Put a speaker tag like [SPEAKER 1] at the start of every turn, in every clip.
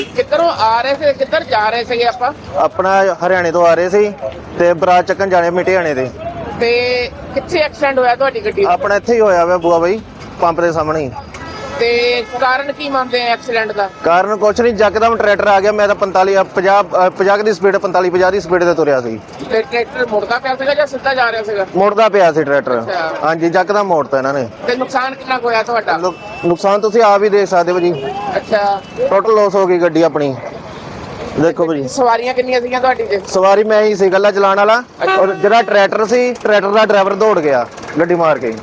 [SPEAKER 1] ਕਿੱਧਰੋਂ ਆ ਰਹੇ ਸੀ, ਕਿੱਧਰ ਜਾ ਰਹੇ ਸੀਗੇ ਆਪਾਂ?
[SPEAKER 2] ਆਪਣਾ ਹਰਿਆਣੇ ਤੋਂ ਆ ਰਹੇ ਸੀ ਤੇ ਬਰਾਤ ਚੱਕਣ ਜਾਣੇ ਮਿਟਿਆਣੇ ਦੇ।
[SPEAKER 1] ਤੇ ਕਿੱਥੇ ਐਕਸੀਡੈਂਟ ਹੋਇਆ ਤੁਹਾਡੀ ਗੱਡੀ ਦਾ?
[SPEAKER 2] ਆਪਣਾ ਇੱਥੇ ਹੀ ਹੋਇਆ ਵਾ ਬੂਆ ਬਾਈ ਪੰਪ ਦੇ ਸਾਹਮਣੇ ਹੀ।
[SPEAKER 1] ਤੇ ਕਾਰਨ ਕੀ ਮੰਨਦੇ ਆ ਐਕਸੀਡੈਂਟ ਦਾ?
[SPEAKER 2] ਕਾਰਨ ਕੁਛ ਨਹੀਂ, ਜੱਕਦਮ ਟਰੈਕਟਰ ਆ ਗਿਆ। ਮੈਂ ਤਾਂ 50 ਦੀ ਸਪੀਡ 50 ਦੀ ਸਪੀਡ ਤੇ ਤੁਰਿਆ ਸੀ।
[SPEAKER 1] ਤੇ ਟਰੈਕਟਰ ਮੁੜਦਾ ਪਿਆ ਸੀਗਾ ਜਾਂ ਸਿੱਧਾ ਜਾ ਰਿਹਾ ਸੀਗਾ?
[SPEAKER 2] ਮੁੜਦਾ ਪਿਆ ਸੀ ਟਰੈਕਟਰ।
[SPEAKER 1] ਅੱਛਾ।
[SPEAKER 2] ਹਾਂਜੀ, ਜੱਕਦਮ ਮੋੜਤਾ ਇਹਨਾਂ ਨੇ।
[SPEAKER 1] ਤੇ ਨੁਕਸਾਨ ਕਿੰਨਾ ਕੁ ਹੋਇਆ ਤੁਹਾਡਾ?
[SPEAKER 2] ਨੁਕਸਾਨ ਤੁਸੀਂ ਆਪ ਹੀ ਦੇਖ ਸਕਦੇ ਹੋ ਜੀ।
[SPEAKER 1] ਅੱਛਾ।
[SPEAKER 2] ਟੋਟਲ ਲਾਸ ਹੋ ਗਈ ਗੱਡੀ ਆਪਣੀ। ਦੇਖੋ ਭਾਜੀ,
[SPEAKER 1] ਸਵਾਰੀਆਂ ਕਿੰਨੀਆਂ ਸੀਗੀਆਂ ਤੁਹਾਡੀ ਤੇ?
[SPEAKER 2] ਸਵਾਰੀ ਮੈਂ ਹੀ ਸੀ ਗੱਲਾ ਚਲਾਉਣ ਵਾਲਾ, ਔਰ ਜਿਹੜਾ ਟਰੈਕਟਰ ਸੀ ਟਰੈਕਟਰ ਦਾ ਡਰਾਈਵਰ ਦੌੜ ਗਿਆ ਗੱਡੀ ਮਾਰ ਕੇ।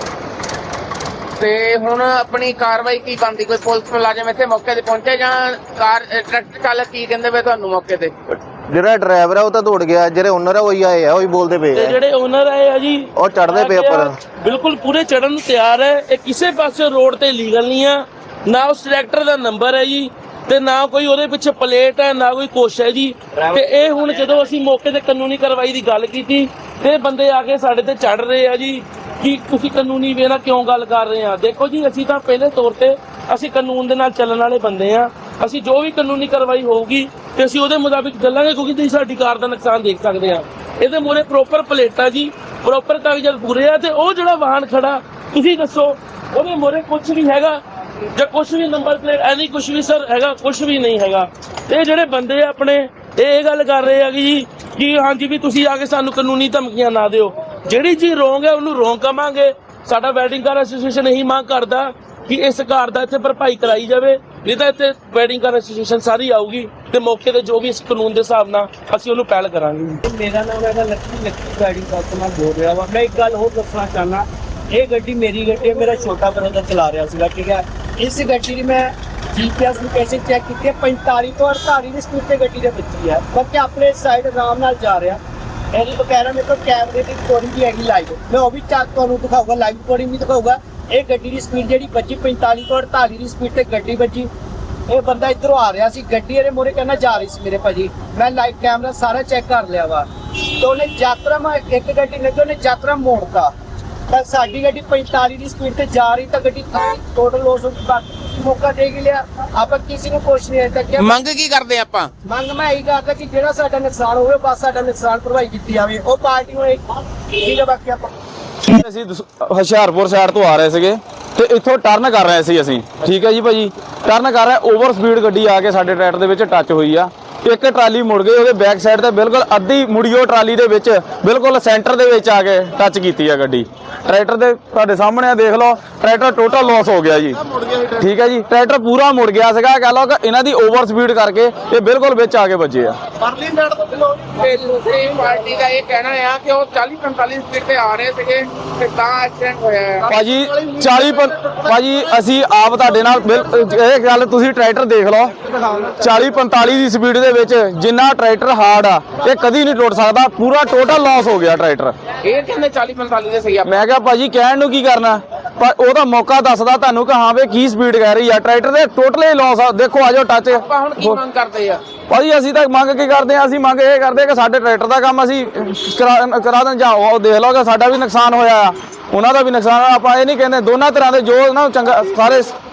[SPEAKER 1] ਤੇ ਹੁਣ ਆਪਣੀ ਕਾਰਵਾਈ ਕੀ ਬਣਦੀ? ਕੋਈ ਪੁਲਿਸ ਮੁਲਾਜ਼ਮ ਇੱਥੇ ਮੌਕੇ ਤੇ ਪਹੁੰਚੇ ਜਾਂ ਟਰੈਕਟਰ ਚਾਲਕ ਕੀ ਕਹਿੰਦੇ ਵੇ ਤੁਹਾਨੂੰ ਮੌਕੇ ਤੇ?
[SPEAKER 2] ਜਿਹੜਾ ਡਰਾਈਵਰ ਆ ਉਹ ਤਾਂ ਦੌੜ ਗਿਆ, ਜਿਹੜੇ ਓਨਰ ਆ ਉਹੀ ਆਏ ਆ, ਉਹੀ ਬੋਲਦੇ ਪਏ
[SPEAKER 3] ਤੇ
[SPEAKER 2] ਆ।
[SPEAKER 3] ਜਿਹੜੇ ਓਨਰ ਆਏ ਆ ਜੀ
[SPEAKER 2] ਉਹ ਚੜਦੇ ਪਏ ਉੱਪਰ,
[SPEAKER 3] ਬਿਲਕੁਲ ਪੂਰੇ ਚੜਨ ਨੂੰ ਤਿਆਰ ਹੈ। ਇਹ ਕਿਸੇ ਪਾਸੇ ਰੋਡ ਤੇ ਲੀਗਲ ਨਹੀਂ ਆ, ਨਾ ਉਸ ਟਰੈਕਟਰ ਦਾ ਨੰਬਰ ਹੈ ਜੀ, ਤੇ ਨਾ ਕੋਈ ਉਹਦੇ ਪਿੱਛੇ ਪਲੇਟ ਹੈ, ਨਾ ਕੋਈ ਕੁਛ ਹੈ ਜੀ। ਤੇ ਇਹ ਹੁਣ ਜਦੋਂ ਅਸੀਂ ਮੌਕੇ ਤੇ ਕਾਨੂੰਨੀ ਕਾਰਵਾਈ ਦੀ ਗੱਲ ਕੀਤੀ ਤੇ ਬੰਦੇ ਆ ਕੇ ਸਾਡੇ ਤੇ ਚੜ ਰਹੇ ਆ ਜੀ ਕਿ ਤੁਸੀਂ ਕਾਨੂੰਨੀ ਵੇ ਨਾਲ ਕਿਉਂ ਗੱਲ ਕਰ ਰਹੇ ਆ। ਦੇਖੋ ਜੀ, ਅਸੀਂ ਤਾਂ ਪਹਿਲੇ ਤੌਰ ਤੇ ਅਸੀਂ ਕਾਨੂੰਨ ਦੇ ਨਾਲ ਚੱਲਣ ਵਾਲੇ ਬੰਦੇ ਆ। ਅਸੀਂ ਜੋ ਵੀ ਕਾਨੂੰਨੀ ਕਾਰਵਾਈ ਹੋਊਗੀ ਤੇ ਅਸੀਂ ਉਹਦੇ ਮੁਤਾਬਿਕ ਚੱਲਾਂਗੇ, ਕਿਉਂਕਿ ਤੁਸੀਂ ਸਾਡੀ ਕਾਰ ਦਾ ਨੁਕਸਾਨ ਦੇਖ ਸਕਦੇ ਆ। ਇਹਦੇ ਮੂਹਰੇ ਪ੍ਰੋਪਰ ਪਲੇਟਾਂ ਜੀ, ਪ੍ਰੋਪਰ ਕਾਗਜ਼ਾਤ ਪੂਰੇ ਆ। ਤੇ ਉਹ ਜਿਹੜਾ ਵਾਹਨ ਖੜਾ ਤੁਸੀਂ ਦੱਸੋ ਉਹਦੇ ਮੂਹਰੇ ਕੁਝ ਵੀ ਹੈਗਾ ਜਾਂ ਕੁਝ ਵੀ ਨੰਬਰ ਪਲੇਟ ਐਨੀ ਕੁਝ ਵੀ ਸਰ ਹੈਗਾ? ਕੁਝ ਵੀ ਨਹੀਂ ਹੈਗਾ। ਇਹ ਜਿਹੜੇ ਬੰਦੇ ਆਪਣੇ ਇਹ ਗੱਲ ਕਰ ਰਹੇ ਆ ਕਿ ਹਾਂਜੀ ਵੀ ਤੁਸੀਂ ਆ ਕੇ ਸਾਨੂੰ ਕਾਨੂੰਨੀ ਧਮਕੀਆਂ ਨਾ ਦਿਓ। ਜਿਹੜੀ ਚੀਜ਼ ਰੋਂਗ ਹੈ ਉਹਨੂੰ ਰੋਂਗ ਕਵਾਂਗੇ। ਸਾਡਾ ਵੈਡਿੰਗ ਕਾਰ ਐਸੋਸੀਏਸ਼ਨ ਇਹੀ ਮੰਗ ਕਰਦਾ ਕਿ ਇਸ ਕਾਰ ਦਾ ਇੱਥੇ ਭਰਪਾਈ ਕਰਾਈ ਜਾਵੇ, ਨਹੀਂ ਤਾਂ ਇੱਥੇ ਵੈਡਿੰਗ ਕਾਰ ਐਸੋਸੀਏਸ਼ਨ ਸਾਰੀ ਆਊਗੀ ਤੇ ਮੌਕੇ ਤੇ ਜੋ ਵੀ ਇਸ ਕਾਨੂੰਨ ਦੇ ਹਿਸਾਬ ਨਾਲ ਅਸੀਂ ਉਹਨੂੰ ਪਹਿਲ ਕਰਾਂਗੇ।
[SPEAKER 4] ਮੇਰਾ ਨਾਮ ਹੈਗਾ ਲੱਕੀ ਵੈਡਿੰਗ ਕਾਰ ਤੋਂ ਮੈਂ ਬੋਲ ਰਿਹਾ ਵਾ। ਮੈਂ ਇੱਕ ਗੱਲ ਹੋਰ ਦੱਸਣਾ ਚਾਹਨਾ, ਇਹ ਗੱਡੀ ਮੇਰੀ ਗੱਡੀ ਹੈ, ਮੇਰਾ ਛੋਟਾ ਬ੍ਰਦਰ ਚਲਾ ਰਿਹਾ ਸੀਗਾ, ਠੀਕ ਹੈ। ਇਸ ਗੱਡੀ ਦੀ ਮੈਂ GPS ਲੋਕੇਸ਼ਨ ਚੈੱਕ ਕੀਤੀ ਹੈ, 45 ਤੋਂ 48 ਦੀ ਸਪੀਡ ਤੇ ਗੱਡੀ ਦੇ ਵੱਜੀ ਹੈ। ਬਾਕੀ ਆਪਣੇ ਸਾਈਡ ਆਰਾਮ ਨਾਲ ਜਾ ਰਿਹਾ। ਇਹਦੀ ਬਕਾਇਦਾ ਮੇਰੇ ਕੋਲ ਕੈਮਰੇ ਦੀ ਰਿਕਾਰਡਿੰਗ ਵੀ ਹੈਗੀ ਲਾਈਵ, ਮੈਂ ਉਹ ਵੀ ਚੱਕ ਤੁਹਾਨੂੰ ਦਿਖਾਊਗਾ, ਲਾਈਵ ਰਿਕਾਰਡਿੰਗ ਵੀ ਦਿਖਾਊਗਾ। ਇਹ ਗੱਡੀ ਦੀ ਸਪੀਡ ਜਿਹੜੀ ਵੱਜੀ 45 ਤੋਂ 48 ਦੀ ਸਪੀਡ ਤੇ ਗੱਡੀ ਵੱਜੀ। ਇਹ ਬੰਦਾ ਇੱਧਰੋਂ ਆ ਰਿਹਾ ਸੀ, ਗੱਡੀ ਇਹਦੇ ਮੋਰੇ ਕਹਿੰਦਾ ਜਾ ਰਹੀ ਸੀ ਮੇਰੇ ਭਾਜੀ। ਮੈਂ ਲਾਈਵ ਕੈਮਰਾ ਸਾਰਾ ਚੈੱਕ ਕਰ ਲਿਆ ਵਾ। ਤੇ ਉਹਨੇ ਯਾਤਰਾ ਇੱਕ ਗੱਡੀ ਲੱਗੀ, ਉਹਨੇ ਯਾਤਰਾ ਮੋੜਤਾ ਤਾਂ ਸਾਡੀ ਗੱਡੀ 45 ਦੀ ਸਪੀਡ ਤੇ ਜਾ ਰਹੀ ਤਾਂ ਗੱਡੀ ਟੋਟਲ ਲੋਸ ਹੋ ਗਈ। ਬਾਕੀ ਮੌਕਾ ਦੇ ਹੀ ਲਿਆ, ਆਪਾਂ ਕਿਸੇ ਨੂੰ ਕੁਛ ਨਹੀਂ ਅਜੇ ਤੱਕ।
[SPEAKER 1] ਮੰਗ ਕੀ ਕਰਦੇ ਆਪਾਂ?
[SPEAKER 4] ਮੰਗ ਮੈਂ ਇਹੀ ਕਰਦਾ ਕਿ ਜਿਹੜਾ ਸਾਡਾ ਨੁਕਸਾਨ ਹੋਵੇ ਬਸ ਸਾਡਾ ਨੁਕਸਾਨ ਭਰਵਾਈ ਕੀਤੀ ਜਾਵੇ। ਉਹ ਪਾਰਟੀ ਨੂੰ ਠੀਕ ਹੈ। ਬਾਕੀ ਆਪਾਂ
[SPEAKER 5] ਅਸੀਂ ਹੁਸ਼ਿਆਰਪੁਰ ਸਾਈਡ ਤੋਂ ਆ ਰਹੇ ਸੀਗੇ ਤੇ ਇੱਥੋਂ ਟਰਨ ਕਰ ਰਹੇ ਸੀ ਅਸੀਂ, ਠੀਕ ਹੈ ਜੀ ਭਾਜੀ। ਟਰਨ ਕਰ ਰਹੇ, ਓਵਰ ਸਪੀਡ ਗੱਡੀ ਆ ਕੇ ਸਾਡੇ ਟਰੈਕਟਰ ਦੇ ਵਿੱਚ ਟੱਚ ਹੋਈ ਆ। ਇੱਕ ਟਰਾਲੀ ਮੁੜ ਗਈ, ਉਹਦੇ ਬੈਕ ਸਾਈਡ ਤੇ ਬਿਲਕੁਲ ਅੱਧੀ ਮੁੜੀਓ ਟਰਾਲੀ ਦੇ ਵਿੱਚ ਬਿਲਕੁਲ ਸੈਂਟਰ ਦੇ ਵਿੱਚ ਆ ਕੇ ਟੱਚ ਕੀਤੀ ਆ ਗੱਡੀ। ਟਰੈਕਟਰ ਦੇ ਤੁਹਾਡੇ ਸਾਹਮਣੇ ਆ, ਦੇਖ ਲਓ ਟਰੈਕਟਰ ਟੋਟਲ ਲਾਸ ਹੋ ਗਿਆ ਜੀ, ਠੀਕ ਹੈ ਜੀ। ਟਰੈਕਟਰ ਪੂਰਾ ਮੁੜ ਗਿਆ ਸੀਗਾ, ਕਹ ਲਓ ਕਿ ਇਹਨਾਂ ਦੀ ਓਵਰ ਸਪੀਡ ਕਰਕੇ ਇਹ ਬਿਲਕੁਲ ਵਿੱਚ ਆ ਕੇ ਵੱਜੇ ਆ।
[SPEAKER 1] ਤੇ ਦੂਸਰੀ ਪਾਰਟੀ ਦਾ ਇਹ ਕਹਿਣਾ ਆ ਕਿ ਉਹ 40-45 ਸਪੀਡ ਤੇ ਆ ਰਹੇ ਸੀਗੇ ਤੇ ਤਾਂ ਐਕਸੀਡੈਂਟ ਹੋਇਆ ਹੈ।
[SPEAKER 5] ਭਾਜੀ ਭਾਜੀ ਅਸੀਂ ਆਪ ਤੁਹਾਡੇ ਨਾਲ ਇਹ ਗੱਲ ਤੁਸੀਂ ਟਰੈਕਟਰ ਦੇਖ ਲਓ 40-45 ਦੀ ਸਪੀਡ ਦੇ ਵਿੱਚ ਜਿੰਨਾ ਟਰੈਕਟਰ ਹਾਰਡ ਆ ਇਹ ਕਦੀ ਨਹੀਂ ਟੁੱਟ ਸਕਦਾ। ਪੂਰਾ ਟੋਟਲ ਲਾਸ ਹੋ ਗਿਆ ਟਰੈਕਟਰ।
[SPEAKER 1] ਇਹ ਕਹਿੰਦੇ 40-45 ਦੇ ਸਹੀ ਆ।
[SPEAKER 5] ਮੈਂ ਕਿਹਾ ਭਾਜੀ ਕਹਿਣ ਨੂੰ ਕੀ ਕਰਨਾ, ਪਰ ਉਹਦਾ ਮੌਕਾ ਦੱਸਦਾ ਤੁਹਾਨੂੰ ਕਿ ਹਾਂ ਵੇ ਕੀ ਸਪੀਡ ਕਹਿ ਰਹੀ ਆ। ਟਰੈਕਟਰ ਦੇ ਟੋਟਲੀ ਲਾਸ ਆ। ਦੇਖੋ ਆਜੋ ਟੱਚ।
[SPEAKER 1] ਆਪਾਂ ਹੁਣ ਕੀ ਮੰਗ ਕਰਦੇ ਆ
[SPEAKER 5] ਭਾਜੀ? ਅਸੀਂ ਤਾਂ ਮੰਗ ਕੀ ਕਰਦੇ ਆ? ਅਸੀਂ ਮੰਗ ਇਹ ਕਰਦੇ ਕਿ ਸਾਡੇ ਟਰੈਕਟਰ ਦਾ ਕੰਮ ਅਸੀਂ ਕਰਾ ਦੇਣ। ਜਾਓ ਉਹ ਦੇਖ ਲਓ ਕਿ ਸਾਡਾ ਵੀ ਨੁਕਸਾਨ ਹੋਇਆ ਆ, ਉਹਨਾਂ ਦਾ ਵੀ ਨੁਕਸਾਨ ਆ। ਆਪਾਂ ਇਹ ਨਹੀਂ ਕਹਿੰਦੇ, ਦੋਨਾਂ ਤਰ੍ਹਾਂ ਦੇ ਜੋ ਨਾ ਚੰਗਾ ਸਾਰੇ